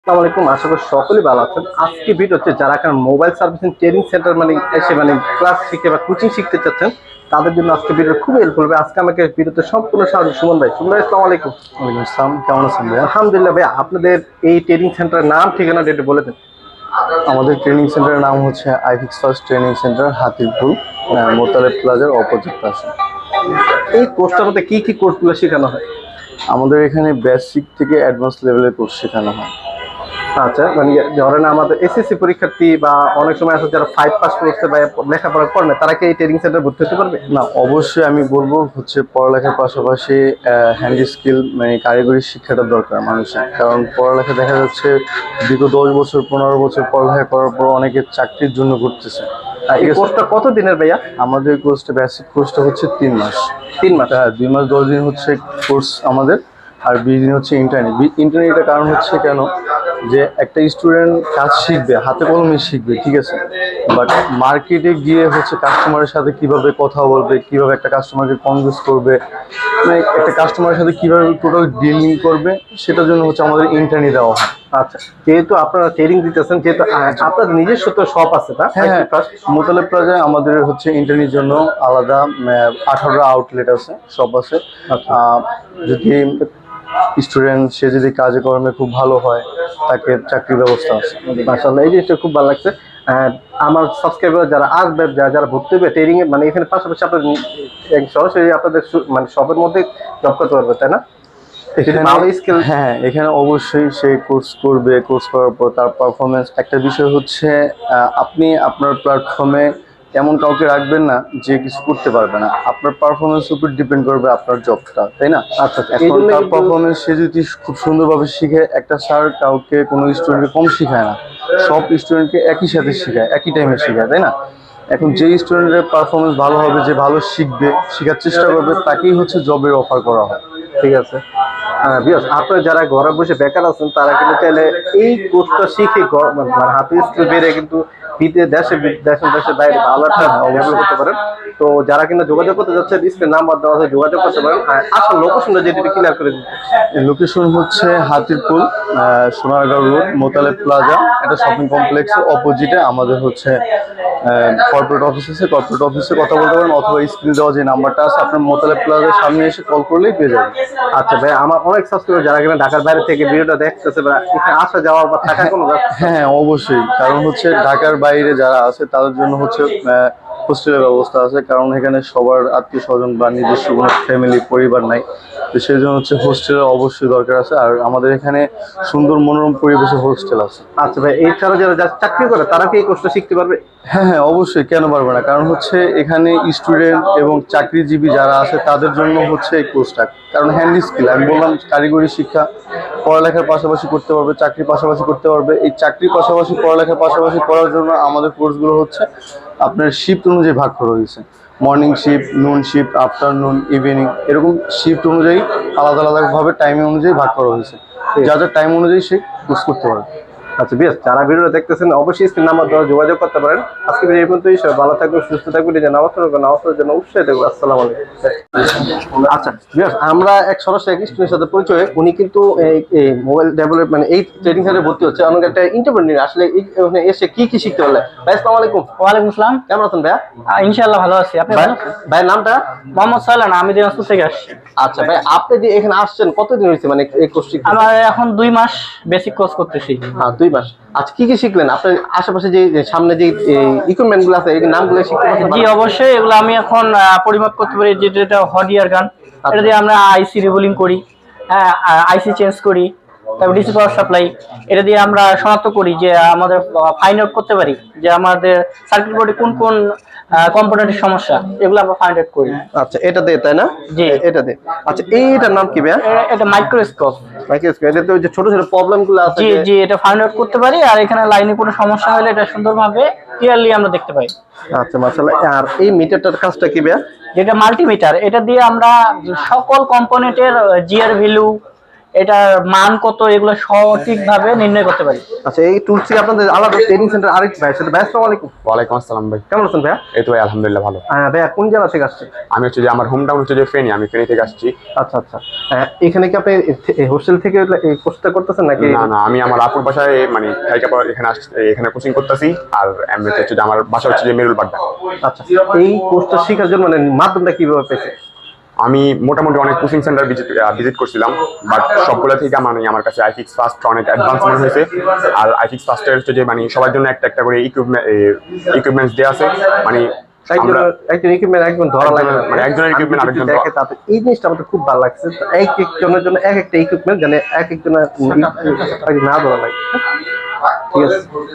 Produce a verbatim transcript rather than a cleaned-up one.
আসসালামু আলাইকুম, আশা করি সকলেই ভালো আছেন। আজকে ভিডিও হচ্ছে যারা এখন মোবাইল সার্ভিসিং ট্রেনিং সেন্টার মানে এসে মানে ক্লাস শিখতে বা কোচিং শিখতে চাচ্ছেন তাদের জন্য আজকে ভিডিও খুব হেল্পফুল হবে। আজকে আমাকে ভিডিওতে সম্পূর্ণ সাহায্য সুমন ভাই। সুমন ভাই আসসালামু আলাইকুম। ওয়ালাইকুম আসসালাম, কেমন আছেন ভাই? আলহামদুলিল্লাহ ভাই, আপনাদের এই ট্রেনিং সেন্টারের নাম ঠিকানা ডেটে বলে দেন। আমাদের ট্রেনিং সেন্টারের নাম হচ্ছে iFix first training centre, Hatirpool, Motaleb প্লাজার অপোজিট পাশে। এই কোর্সটার মধ্যে কি কি কোর্সগুলো শেখানো হয়? আমাদের এখানে বেসিক থেকে অ্যাডভান্স লেভেলের কোর্স শেখানো হয়। আচ্ছা, মানে ধরেন আমাদের এসএসসি পরীক্ষার্থী বা অনেক সময় আছে যারা ফাইভ পাস করছে বা লেখাপড়া করে না, তারা কি এই ট্রেনিং সেন্টার ভর্তি হতে পারবে? না, অবশ্যই আমি বলবো হচ্ছে পড়ালেখার পাশাপাশি হ্যান্ড স্কিল মানে কারিগরি শিক্ষাটা দরকার মানুষের। কারণ পড়ালেখা দেখা যাচ্ছে দীর্ঘ দশ বছর পনেরো বছর পড়ালেখা করার পর অনেকে চাকরির জন্য ঘুরতেছে। এই কোর্সটা কত দিনের ভাইয়া? আমাদের কোর্সটা বেসিক কোর্সটা হচ্ছে তিন মাস। তিন মাস হ্যাঁ, দুই মাস দশ দিন হচ্ছে কোর্স আমাদের, আর বিশ দিন হচ্ছে ইন্টারনি। ইন্টারনিটার কারণ হচ্ছে কেন, যে একটা স্টুডেন্ট কাজ শিখবে, হাতে কলমে শিখবে, ঠিক আছে, বাট মার্কেটে গিয়ে হচ্ছে কাস্টমারের সাথে কিভাবে কথা বলবে, কিভাবে একটা কাস্টমারকে কনভিন্স করবে, মানে একটা কাস্টমারের সাথে কিভাবে টোটাল ডিলিং করবে, সেটার জন্য হচ্ছে আমাদের ইন্টারনি দেওয়া হয়। আচ্ছা, যেহেতু আপনারা ট্রেনিং দিতেছেন, যেহেতু আপনাদের নিজস্ব তো শপ আছে না? হ্যাঁ হ্যাঁ, মোতালেব প্লাজায় আমাদের হচ্ছে ইন্টারনির জন্য আলাদা আঠারোটা আউটলেট আছে, শপ আছে। যদি স্টুডেন্ট সে যদি কাজে কর্মে খুব ভালো হয়, তাকে চাকরির ব্যবস্থা আছে। মাশাআল্লাহ, এই জিনিসটা খুব ভালো লাগছে। আমার সাবস্ক্রাইবার যারা আসবে, যারা যারা ভর্তি হবে ট্রেনিং এ, মানে এখানে পাশাপাশি আপনার সরাসরি আপনাদের মানে শপের মধ্যে জব করতে পারবে, তাই না? হ্যাঁ, এখানে অবশ্যই সে কোর্স করবে, কোর্স করার পর তার পারফরমেন্স। একটা বিষয় হচ্ছে আপনি আপনার প্ল্যাটফর্মে এমন কাউকে রাখবেন না যে কিছু করতে পারবে না, আপনার পারফরমেন্সের উপর ডিপেন্ড করবে আপনার জবটা, তাই না? আচ্ছা, এখন তার পারফরমেন্স সে যদি খুব সুন্দরভাবে শিখে, একটা স্যার কাউকে কোনো স্টুডেন্টকে কম শেখায় না, সব স্টুডেন্টকে একই সাথে শেখায়, একই টাইমে শেখায়, তাই না? এখন যে স্টুডেন্টের পারফরমেন্স ভালো হবে, যে ভালো শিখবে, শেখার চেষ্টা করবে, তাকেই হচ্ছে জবের অফার করা হয়। ঠিক আছে, আপনারা যারা ঘরে বসে বেকার আছেন তারা কিন্তু চাইলে এই কোর্সটা শিখে মানে হাতে স্কিল বেড়ে কিন্তু বিদেশে দেশে দেশে দেশের বাইরে ভালো একটা ডেভেলপ করতে পারেন। তো যারা কিনা যোগাযোগ করতে যাচ্ছে, স্ক্রিনে নাম্বার দেওয়া আছে, যোগাযোগ করতে পারেন। আসল লোকেশনটা যেটা ক্লিয়ার করে দিন। লোকেশন হচ্ছে হাতিরপুল, সোনারগাঁও রোড, মোতালেব প্লাজা, একটা শপিং কমপ্লেক্সের অপোজিটে আমাদের হচ্ছে কর্পোরেট অফিস আছে। কর্পোরেট অফিসে কথা বলতে পারেন, অথবা স্ক্রিনে দেওয়া যে নাম্বারটা আছে, আপনার মোতালেব প্লাজার সামনে এসে কল করলেই পেয়ে যাবেন। আচ্ছা ভাই, আমার অনেক সাবস্ক্রাইবার যারা কিনা ঢাকার বাইরে থেকে ভিডিওটা দেখতেছে, এখানে আসা যাওয়া বা থাকা কোনো? হ্যাঁ অবশ্যই, কারণ হচ্ছে ঢাকার বাইরে যারা আছে তাদের জন্য হচ্ছে হোস্টেলের ব্যবস্থা আছে, কারণ এখানে সবার আত্মীয় স্বজন বা নিজস্ব কোনো ফ্যামিলি পরিবার নাই, তো সেই জন্য হচ্ছে হোস্টেলের অবশ্যই দরকার আছে। আর আমাদের এখানে সুন্দর মনোরম পরিবেশে হোস্টেল আছে। আচ্ছা ভাই, এছাড়া যারা যারা চাকরি করে তারা কি এই কোর্সটা শিখতে পারবে? হ্যাঁ হ্যাঁ অবশ্যই, কেন পারবে না, কারণ হচ্ছে এখানে স্টুডেন্ট এবং চাকরিজীবী যারা আছে তাদের জন্য হচ্ছে এই কোর্সটা। কারণ হ্যান্ড স্কিল, আমি বললাম কারিগরি শিক্ষা পড়ালেখার পাশাপাশি করতে পারবে, চাকরির পাশাপাশি করতে পারবে। এই চাকরির পাশাপাশি পড়ালেখার পাশাপাশি করার জন্য আমাদের কোর্সগুলো হচ্ছে আপনার শিফট অনুযায়ী ভাগ করা হয়েছে। Morning shift, noon shift, afternoon, evening, এরকম শিফট অনুযায়ী আলাদা আলাদাভাবে টাইমিং অনুযায়ী ভাগ করা হয়েছে, যা যা টাইম অনুযায়ী সে কোর্স করতে পারবে। আচ্ছা বেশ, যারা ভিডিওটা দেখতেছেন অবশ্যই স্ক্রিন নাম্বার দ্বারা যোগাযোগ করতে পারেন। আজকে ভিডিও এই পর্যন্তই। সবাই ভালো থাকবেন, সুস্থ থাকবেন, নিজের নামাজ পড়বেন, নামাজ পড়ার জন্য উৎসাহ থাকবেন। আসসালামু আলাইকুম। আচ্ছা বেশ, আমরা এক সরাসরি এক স্টুডেন্টের সাথে পরিচয়। উনি কিন্তু এই মোবাইল ডেভেলপমেন্ট এই ট্রেনিং সেন্টারে ভর্তি হচ্ছে, অনেক একটা ইন্টারভিউ আসলে এসে কি কি শিখতে পারলে। ভাই আসসালামু আলাইকুম। ওয়ালাইকুম আসসালাম, কেমন আছেন ভাইয়া? ইনশাআল্লাহ ভালো আছি। আপনি ভালো আছেন? ভাইয়ের নামটা? মোহাম্মদ সালান, আমি দিনাজপুর থেকে আসছি। আচ্ছা ভাই, আপনি যে এখানে আসছেন কতদিন হয়েছে মানে এই কোর্স শিখতে? আমার এখন দুই মাস বেসিক কোর্স করতেছি। হ্যাঁ, দুই মাস। আচ্ছা, কি কি শিখলেন? আপনার আশেপাশে যে সামনে যে ইকুইপমেন্ট গুলো আছে এই নামগুলো শিখতে পারছেন? জি অবশ্যই, এগুলো আমি এখন পরিমাপ করতে পারি। যেটা হট ইয়ার গান, এটা দিয়ে আমরা আইসি রিবোলিং করি, হ্যাঁ আইসি চেঞ্জ করি, তারপর ডিসি পাওয়ার সাপ্লাই, এটা দিয়ে আমরা শনাক্ত করি যে আমাদের ফাইন্ড আউট করতে পারি যে আমাদের সার্কিট বোর্ডে কোন কোন কম্পোনেন্টের সমস্যা, এগুলো আমরা ফাইন্ড আউট করি। আচ্ছা, এটা দিয়ে তাই না? জি এটা দিয়ে। আচ্ছা, এইটার নাম কি ভাইয়া? এটা মাইক্রোস্কোপ। মাইক্রোস্কোপ, এটাতে ওই যে ছোট ছোট প্রবলেম গুলো আছে। জি জি, এটা ফাইন্ড আউট করতে পারি, আর এখানে লাইনে কোনো সমস্যা হলে এটা সুন্দরভাবে ক্লিয়ারলি আমরা দেখতে পাই। আচ্ছা মাশাআল্লাহ। আর এই মিটারটার কাজটা কি ভাইয়া? যেটা মাল্টিমিটার, এটা দিয়ে আমরা সকল কম্পোনেন্টের জিআর ভ্যালু, এটার মান কত এগুলো সঠিকভাবে নির্ণয় করতে পারি। আচ্ছা, এই টুলস কি আপনাদের আলাদা ট্রেনিং সেন্টার আরেক ভাই সেটা ভাই আসসালামু আলাইকুম। ওয়ালাইকুম আসসালাম ভাই। কেমন আছেন ভাইয়া? এই তো ভাই আলহামদুলিল্লাহ ভালো। হ্যাঁ ভাইয়া, কোন জেলা থেকে আসছেন? আমি হচ্ছে যে আমার হোম টাউন হচ্ছে যে ফেনী, আমি ফেনী থেকে আসছি। আচ্ছা আচ্ছা, হ্যাঁ, এখানে কি আপনি হোস্টেল থেকে এই কোর্সটা করতেছেন নাকি? না না, আমি আমার আপুর বাসায় মানে থাইকা পর এখানে আসছি, এখানে কোচিং করতেছি। আর এমনিতে হচ্ছে যে আমার বাসা হচ্ছে যে মেরুল বাড্ডা। আচ্ছা, এই কোর্সটা শেখার জন্য মানে মাধ্যমটা কিভাবে পেয়েছে? আমি মোটামুটি অনেক কোচিং সেন্টার ভিজিট ভিজিট করছিলাম, বাট সবগুলো থেকে মানে আমার কাছে আইফিক্স ফার্স্ট অনেক অ্যাডভান্স মনে হয়েছে। আর আইফিক্স ফার্স্টের হচ্ছে যে মানে সবার জন্য একটা একটা করে ইকুইপমেন্ট ইকুইপমেন্টস দেওয়া আছে। মানে একজন আমরা একজন ইকুইপমেন্ট একজন ধরা লাগে না, মানে একজনের equipment আরেকজন ধরা- দেখে তাতে এই জিনিসটা আমাদের খুব ভালো লাগছে। এক একজনের জন্য এক একটা ইকুইপমেন্ট, মানে এক একজনের না ধরা লাগে। ঠিক আছে।